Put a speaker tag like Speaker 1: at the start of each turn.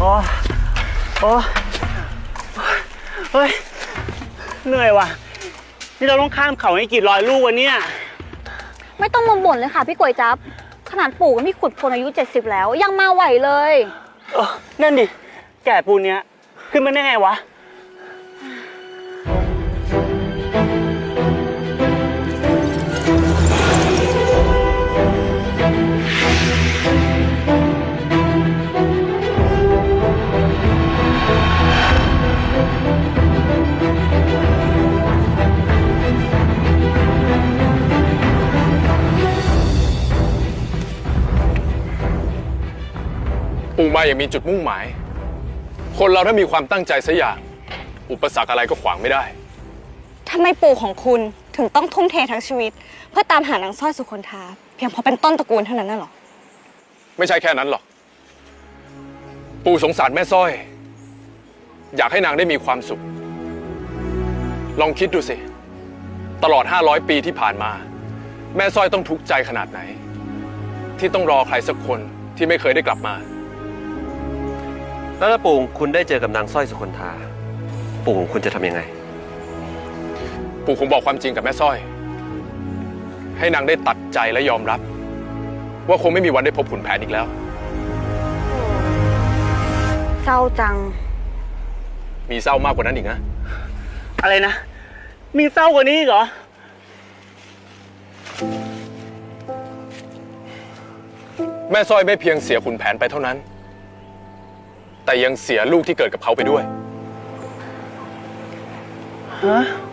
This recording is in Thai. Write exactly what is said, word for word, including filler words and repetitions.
Speaker 1: โอ้โอ้เฮ้ยเหนื่อยว่ะนี่เราต้องข้ามเขาให้กี่ร้อยลูกวะเนี่ย
Speaker 2: ไม่ต้องมาบ่นเลยค่ะพี่ก๋วยจั๊บขนาดปู่กับพี่ขุดพลอายุเจ็ดสิบแล้วยังมาไหวเลย
Speaker 1: เออนั่นดิแก่ปูนเนี้ยขึ้นมาได้ไงวะ
Speaker 3: ปู่มาอย่างมีจุดมุ่งหมายคนเราถ้ามีความตั้งใจสักอย่างอุปสรรคอะไรก็ขวางไม่ได้
Speaker 4: ทำไมปู่ของคุณถึงต้องทุ่มเททั้งชีวิตเพื่อตามหานางสร้อยสุคนธาเพียงเพราะเป็นต้นตระกูลเท่านั้นน่ะหรอ
Speaker 3: ไม่ใช่แค่นั้นหรอกปู่สงสารแม่สร้อยอยากให้นางได้มีความสุขลองคิดดูสิตลอดห้าร้อยปีที่ผ่านมาแม่สร้อยต้องทุกข์ใจขนาดไหนที่ต้องรอใครสักคนที่ไม่เคยได้กลับมา
Speaker 5: แล้วถ้าปู่คุณได้เจอกับนางสร้อยสุคนธาปู่คุณจะทำยังไง
Speaker 3: ปู่คงบอกความจริงกับแม่สร้อยให้นางได้ตัดใจและยอมรับว่าคงไม่มีวันได้พบขุนแผนอีกแล้ว
Speaker 2: เศร้าจัง
Speaker 3: มีเศร้ามากกว่านั้นอีกนะ
Speaker 1: อะไรนะมีเศร้ากว่านี้เหรอ
Speaker 3: แม่สร้อยไม่เพียงเสียขุนแผนไปเท่านั้นแต่ยังเสียลูกที่เกิดกับเขาไปด้วย
Speaker 1: ฮะ